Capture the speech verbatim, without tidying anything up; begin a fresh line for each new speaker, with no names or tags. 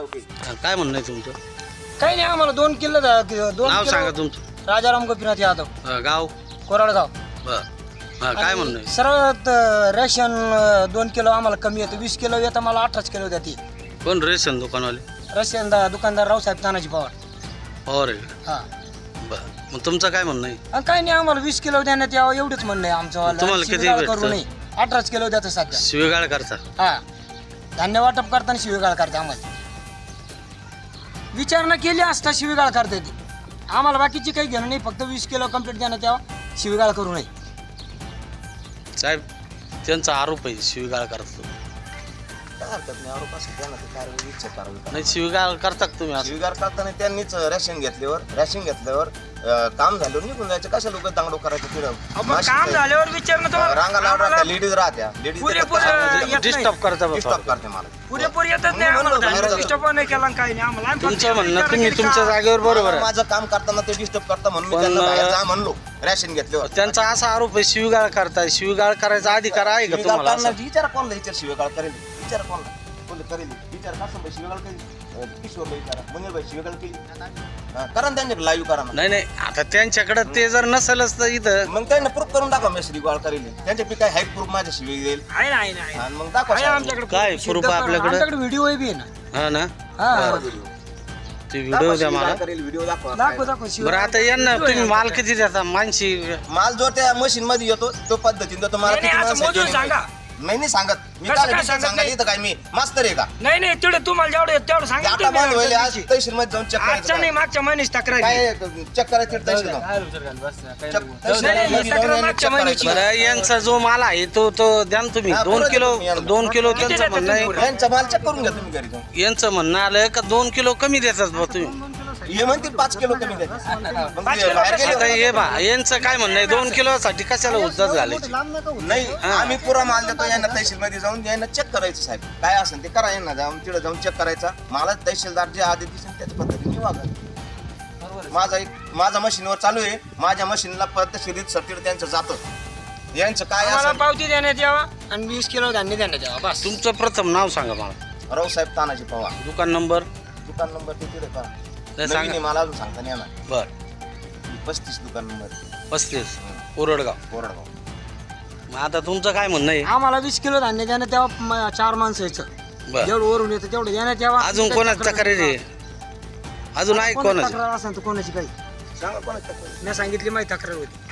काय म्हणणं आहे तुमचं?
काही नाही आम्हाला दोन किलो दोन
नाव
किलो-
सांगा तुमचं.
राजाराम गोपीनाथ यादव
अं, गाव
कोराडगाव.
बर हा काय म्हणणं आहे?
सरळ त- रेशन अं, दोन किलो आम्हाला कमी येतं, वीस किलो येतं मला अठराच किलो द्या ती
कोण रेशन दुकानवाले?
रेशन दा- दुकानदार रावसाहेब तानाजी पवार.
पवार आहे का?
हा
बर मग तुमचं काय म्हणणं आहे?
आणि काही नाही आम्हाला वीस किलो देण्यात यावं एवढंच म्हणणं आहे आमचं.
तुम्हाला किती
शिवीगाळ
भेटतं?
करू नये. अठराच किलो द्याचं सध्या.
शिवेगाळ करता?
हा धान्य वाटप करताना शिवीगाळ करते आम्हाला. विचारणा केली असता शिवीगाळ करते ती आम्हाला, बाकीची काही घेणं नाही, फक्त वीस किलो कंप्लीट देण्यात यावं, शिवीगाळ करू नये.
साहेब त्यांचा आरोप आहे शिवीगाळ करतो.
काय हरकत नाही, आरोप असेल त्यांना ते कारवाई इच्छा कारवाई
नाही शिवीगाळ करता का तुम्ही असं?
स्वीकार करताना त्यांनीच रेशन घेतल्यावर रेशन घेतल्यावर अं, काम झाल्यावर निघून जायचं. कशा लोक दांगडो करायचं तिथं
काम झाल्यावर विचारणं तुम्हाला-
रांगा लावून
आम्हाला
लेडीज राहत्या, लेडीज
पुरेपूर येत नाही.
डिस्टर्ब करता बा
डिस्टर्ब
थोडं.
करते मला.
पुरेपूर येतच नाही
म्हणून
आम्हाला,
बाहेर
धान्य
जातो.
डिस्टर्ब नाही केला आणि काही नाही आम्हाला. आम्ही फक्त
तुमचं म्हणणं
विचारणा
तुम्ही
केली
तुमच्या
का?
जागेवर बरोबर आहे.
माझं काम करताना ते डिस्टर्ब करता म्हणून मी
पण,
त्यांना बाहेर
अं,
जा म्हणलो रेशन घेतल्यावर.
त्यांचा असा आरोप आहे शिवीगाळ करताय. शिवीगाळ करायचा अधिकार आहे का
शिवीगाळ
तुम्हाला?
करणार- विचारा कोणला विचार शिवेगाळ करेल, विचार कोणला कोणला करेल विचार कसं भाई शिवेगाळ केली किशोरला विचारा, मंगल भाई शिवेगाळ केली हा, करा ना त्यांच्याकडे लाईव्ह करा ना.
नाही नाही आता त्यांच्याकडे ते जर नसेलच तर इथं
मग त्यांना प्रूफ करून दाखवा मी शिवेगाळ करेल, त्यांच्या पी काय हाईट प्रूफ माझ्या शिवे येईल
आहे ना, आहे ना, आहे ना.
आणि मग दाखवा
आहे
साहेब.
आमच्याकडे
काय
सिद्ध
proof
करा.
आपल्याकडे?
आमच्याकडे व्हिडिओ बी आहे ना.
हा ना
हा
ते
दाखवा
व्हिडिओ द्या मला.
शिवीगाळ करेल, व्हिडिओ दाखवा
दाखव दाखव शिव-
बरं आता यांना
व्हिडिओ आहे
तुम्ही माल
आमच्याकडे.
किती देता? मानशी
माल जो त्या मशीन मध्ये येतो तो पद्धतीने देतो. मला
नाही,
किती
नाही, असं
माणसं
मोजून
आहेत
सांगा.
नाही नाही सांगत मी
कसं
काय
काय
डिटेल
सांगत
सांगायला
नाही?
इथं काय मी मास्तर आहे का?
नाही नाही तेवढं तुम्हाला जेवढं येतं तेवढं
ते
सांगा
आता बंद होईल आज तहसील मध्ये जाऊन चेक
आजच्या नाही
करायचं
मागच्या महिन्याची तक्रार आहे.
काय चेक करायचं तिथं तहसील जाऊन. चेक- तहसील
नाही, नाही,
मध्ये
तक्रार
जाऊन
मागच्या
check
महिन्याची.
करायचं.
बरं यांचा जो माल आहे तो तो द्या ना तुम्ही.
हा,
दोन
बरं
किलो
देतो मी यांना.
दोन किलो
किती
त्यांचं
देता
म्हणणं आहे.
तुम्ही?
यांचा माल चेक करून घ्या तुम्ही घरी जाऊन.
यांचं म्हणणं आलं का दोन किलो कमी देतात बा तुम्ही.
हे म्हणतील पाच किलो कमी द्यायचे. मग
पाच
ते
किलो
बाहेर
कसं
गेले
आता
होते.
हे बा यांचं काय म्हणणं आहे? दोन किलो साठी कशाला उद्धार घालायची?
नाही आम्ही पुरा माल देतो यांना तहसील मध्ये जाऊन यांना चेक करायचं साहेब काय असेल ते करा, यांना जाऊन तिथे जाऊन चेक करायचा. मला तहसीलदार जे आदेश दिसेल त्याच्या पद्धतीने वागा. माझा एक माझा मशीनवर चालू आहे, माझ्या मशीनला पद्धतशीर सर्टिफिकेट त्यांचं जातं. यांचं काय
आम्हाला
असेल
पावती देण्यात यावा आणि वीस किलो धान्य देण्यात यावा बस.
तुमचं प्रथम नाव सांगा मला.
रावसाहेब तानाजी पवार,
दुकान नंबर
दुकान नंबर ते तिथे पहा.
नाही
नवीन आहे,
सांगा.
मला अजून सांगता नाही येणार.
बर
पस्तीस दुकान नंबर
पस्तीस कोरडगाव.
कोरडगाव.
मग आता तुमचं काय म्हणणं आहे?
आम्हाला वीस किलो धान्य देण्यात यावा. म- चार माणसं यायचं
बर
जेवढं वरून येतं तेवढं देण्यात यावा.
अजून कोणाची तक्रार आहे? अजून आहे
कोणाची
कोणाची?
तक्रार असेल तर कोणाची काही
सांगा कोणाची तक्रार?
मी सांगितली माहिती तक्रार होती.